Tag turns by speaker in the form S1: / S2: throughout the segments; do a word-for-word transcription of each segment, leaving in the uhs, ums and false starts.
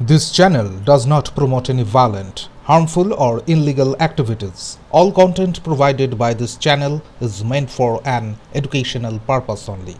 S1: This channel does not promote any violent, harmful, or illegal activities. All content provided by this channel is meant for an educational purpose only.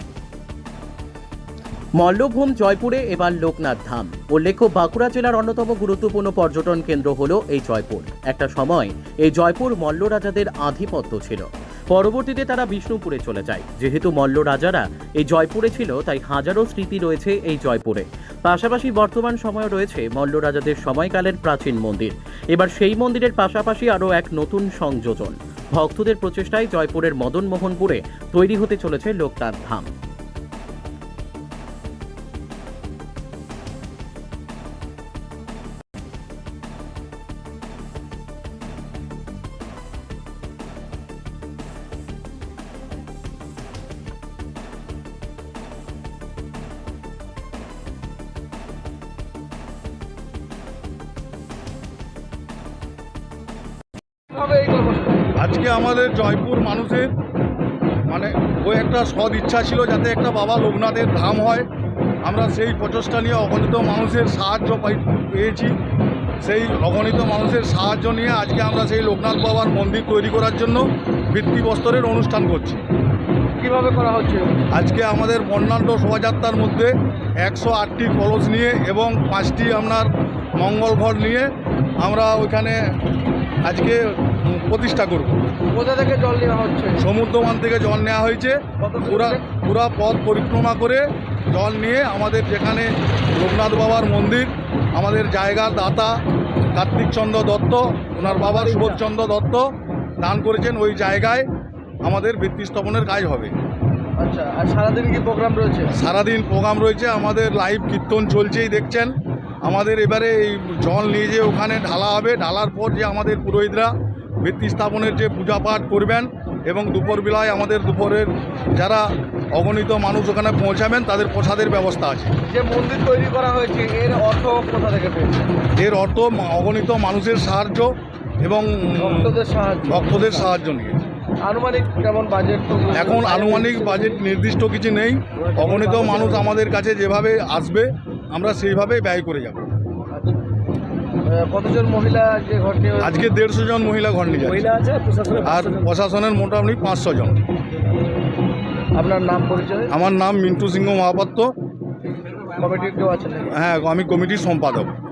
S2: Mallabhum জয়পুরে এবার লোকনাথ ধাম। উল্লেখ্য, বাঁকুড়া জেলার অন্যতম গুরুত্বপূর্ণ পর্যটন কেন্দ্র হল এই জয়পুর। একটা সময় এই জয়পুর মল্ল রাজাদের আধিপত্য ছিল। পরবর্তীতে তারা বিষ্ণুপুরে চলে যায়। যেহেতু মল্ল রাজারা এই জয়পুরে ছিল, তাই হাজারো স্মৃতি রয়েছে এই জয়পুরে। পাশাপাশি বর্তমান সময়ে রয়েছে মল্ল রাজাদের সময়কালের প্রাচীন মন্দির। এবার সেই মন্দিরের পাশাপাশি আরও এক নতুন সংযোজন। ভক্তদের প্রচেষ্টায় জয়পুরের মদনমোহনপুরে তৈরি হতে চলেছে লোকনাথ ধাম।
S3: আজকে আমাদের জয়পুর মানুষের মানে ওই একটা সদ ইচ্ছা ছিল যাতে একটা বাবা লোকনাথের ধাম হয়। আমরা সেই প্রচেষ্টা নিয়ে অগণিত মানুষের সাহায্য পেয়েছি। সেই অগণিত মানুষের সাহায্য নিয়ে আজকে আমরা সেই লোকনাথ বাবার মন্দির তৈরি করার জন্য ভিত্তিপ্রস্তরের অনুষ্ঠান করছি।
S4: কিভাবে করা হচ্ছে?
S3: আজকে আমাদের বর্ণাঢ্য শোভাযাত্রার মধ্যে একশো আটটি কলস নিয়ে এবং পাঁচটি আপনার মঙ্গল ঘর নিয়ে আমরা ওইখানে আজকে প্রতিষ্ঠা করব।
S4: কোথা থেকে জল নেওয়া হচ্ছে?
S3: সমুদ্রমান থেকে জল নেওয়া হয়েছে। পুরা পুরা পথ পরিক্রমা করে জল নিয়ে আমাদের যেখানে লোকনাথ বাবার মন্দির, আমাদের জায়গার দাতা কার্তিক চন্দ্র দত্ত, ওনার বাবা সুবোধচন্দ্র দত্ত দান করেছেন। ওই জায়গায় আমাদের ভিত্তি স্থাপনের কাজ হবে।
S4: আচ্ছা, আর সারাদিন কি প্রোগ্রাম রয়েছে?
S3: সারাদিন প্রোগ্রাম রয়েছে। আমাদের লাইভ কীর্তন চলছেই দেখছেন। আমাদের এবারে এই জল নিয়ে যে ওখানে ঢালা হবে, ঢালার পর যে আমাদের পুরোহিতরা ভিত্তি স্থাপনের যে পূজা পাঠ করবেন এবং দুপুরবেলায় আমাদের দুপুরের যারা অগণিত মানুষ ওখানে পৌঁছাবেন তাদের প্রসাদের ব্যবস্থা আছে।
S4: যে মন্দির তৈরি করা হয়েছে এর অর্থ কোথা থেকে পেয়েছে?
S3: এর অর্থ অগণিত মানুষের সাহায্য এবং
S4: ভক্তদের সাহায্য
S3: ভক্তদের সাহায্য নিয়ে।
S4: আনুমানিক কেমন বাজেট?
S3: এখন আনুমানিক বাজেট নির্দিষ্ট কিছু নেই। অগণিত মানুষ আমাদের কাছে যেভাবে আসবে আমরা সেইভাবেই ব্যয় করে যাব।
S4: কতজন মহিলা যে ঘর নিয়ে?
S3: আজকে দেড়শো জন মহিলা ঘর নিয়ে যাচ্ছে আর প্রশাসনের মোটামুটি পাঁচশো জন।
S4: আপনার নাম পরিচয়?
S3: আমার নাম মিন্টু সিংহ মহাপাত্র।
S4: কমিটির কেউ আছেন?
S3: হ্যাঁ, আমি কমিটির সম্পাদক।